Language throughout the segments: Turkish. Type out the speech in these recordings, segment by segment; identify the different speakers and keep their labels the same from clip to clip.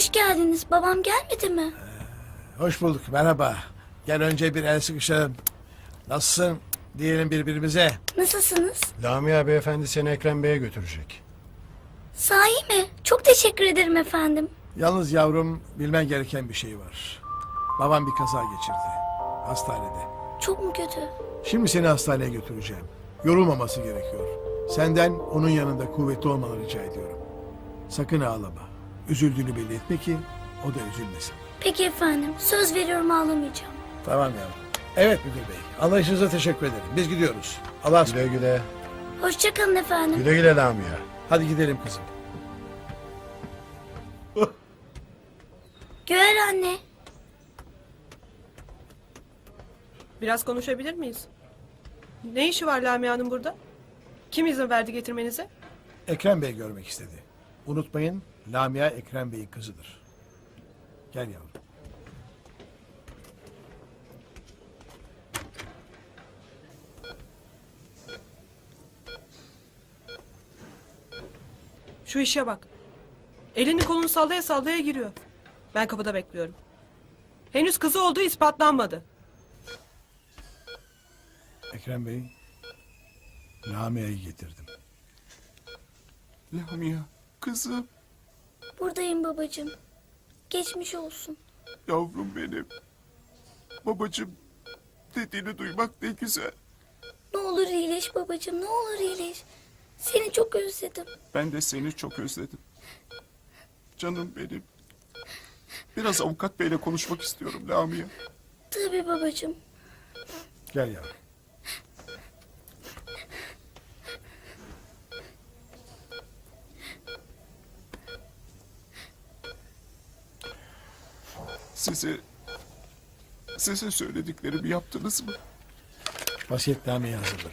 Speaker 1: Hoş geldiniz. Babam gelmedi mi?
Speaker 2: Hoş bulduk, merhaba. Gel önce bir el sıkışalım. Nasılsın diyelim birbirimize.
Speaker 1: Nasılsınız?
Speaker 3: Lamia beyefendi seni Ekrem Bey'e götürecek.
Speaker 1: Sahi mi? Çok teşekkür ederim efendim.
Speaker 2: Yalnız yavrum, bilmen gereken bir şey var. Babam bir kaza geçirdi. Hastanede.
Speaker 1: Çok mu kötü?
Speaker 2: Şimdi seni hastaneye götüreceğim. Yorulmaması gerekiyor. Senden onun yanında kuvvetli olmanı rica ediyorum. Sakın ağlama. Üzüldüğünü belli etme ki o da üzülmesin.
Speaker 1: Peki efendim. Söz veriyorum ağlamayacağım.
Speaker 2: Tamam yavrum. Evet müdür bey. Anlayışınıza teşekkür ederim. Biz gidiyoruz. Allah'a
Speaker 3: Güle
Speaker 2: ısmarladık.
Speaker 3: güle.
Speaker 1: Hoşçakalın efendim.
Speaker 3: Güle güle Lamia.
Speaker 2: Hadi gidelim kızım.
Speaker 1: Güher anne.
Speaker 4: Biraz konuşabilir miyiz? Ne işi var Lamia'nın burada? Kim izin verdi getirmenize?
Speaker 2: Ekrem Bey görmek istedi. Unutmayın, Lamia Ekrem Bey'in kızıdır. Gel yavrum.
Speaker 4: Şu işe bak. Elini kolunu sallaya sallaya giriyor. Ben kapıda bekliyorum. Henüz kızı olduğu ispatlanmadı.
Speaker 2: Ekrem Bey, Lamia'yı getirdim.
Speaker 5: Lamia, kızım,
Speaker 1: Buradayım babacığım. Geçmiş olsun.
Speaker 5: yavrum benim. Babacığım dediğini duymak ne güzel.
Speaker 1: Ne olur iyileş babacığım. Ne olur iyileş. Seni çok özledim.
Speaker 5: Ben de seni çok özledim. Canım benim. Biraz avukat beyle konuşmak istiyorum Lamia.
Speaker 1: Tabii babacığım.
Speaker 2: Gel yavrum.
Speaker 5: Size söylediklerimi yaptınız mı?
Speaker 2: Vasiyetnameyi hazırladım.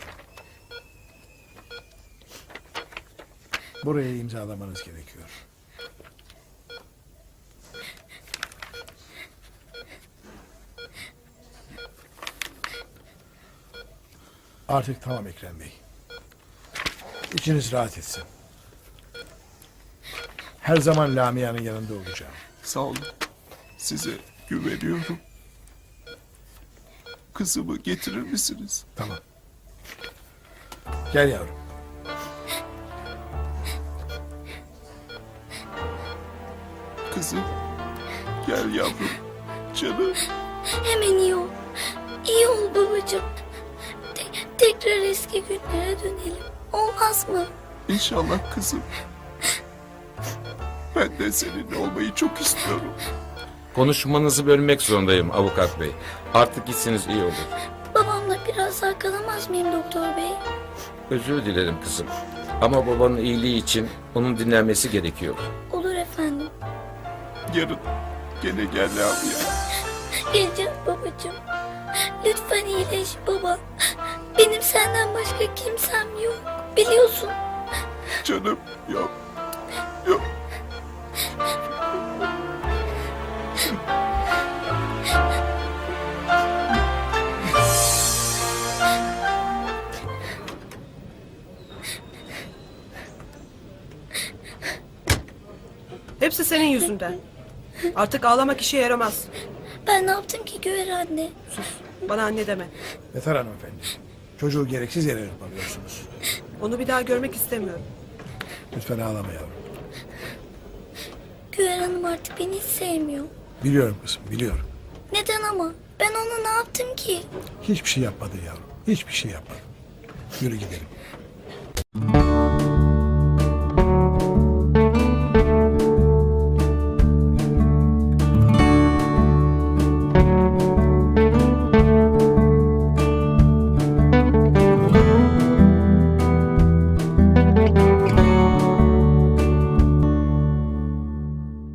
Speaker 2: Buraya imzalamanız gerekiyor. Artık tamam Ekrem Bey. İçiniz rahat etsin. Her zaman Lamia'nın yanında olacağım.
Speaker 5: Sağ olun. Size güveniyorum. Kızımı getirir misiniz?
Speaker 2: Tamam. Gel yavrum.
Speaker 5: Kızım, gel yavrum. Canım.
Speaker 1: Hemen iyi ol. İyi ol babacığım. Tekrar eski günlere dönelim. Olmaz mı?
Speaker 5: İnşallah kızım. Ben de seninle olmayı çok istiyorum.
Speaker 6: Konuşmanızı bölmek zorundayım avukat bey. Artık gitsiniz iyi olur.
Speaker 1: Babamla biraz daha kalamaz mıyım doktor bey?
Speaker 6: Özür dilerim kızım. Ama babanın iyiliği için onun dinlenmesi gerekiyor.
Speaker 1: Olur efendim.
Speaker 5: Yarın gene gel Lamia.
Speaker 1: Geleceğim babacığım. Lütfen iyileş baba. Benim senden başka kimsem yok. Biliyorsun.
Speaker 5: Canım yok. Yok.
Speaker 4: Hepsi senin yüzünden. Artık ağlamak işe yaramaz.
Speaker 1: Ben ne yaptım ki Güher anne?
Speaker 4: Sus. Bana anne deme.
Speaker 2: Yeter hanımefendi. Çocuğu gereksiz yere hırpalıyorsunuz.
Speaker 4: Onu bir daha görmek istemiyorum.
Speaker 2: Lütfen ağlama yavrum.
Speaker 1: Güher Hanım artık beni hiç sevmiyor.
Speaker 2: Biliyorum kızım, biliyorum.
Speaker 1: Neden ama? Ben ona ne yaptım ki?
Speaker 2: Hiçbir şey yapmadın yavrum. Hiçbir şey yapmadın. Yürü gidelim.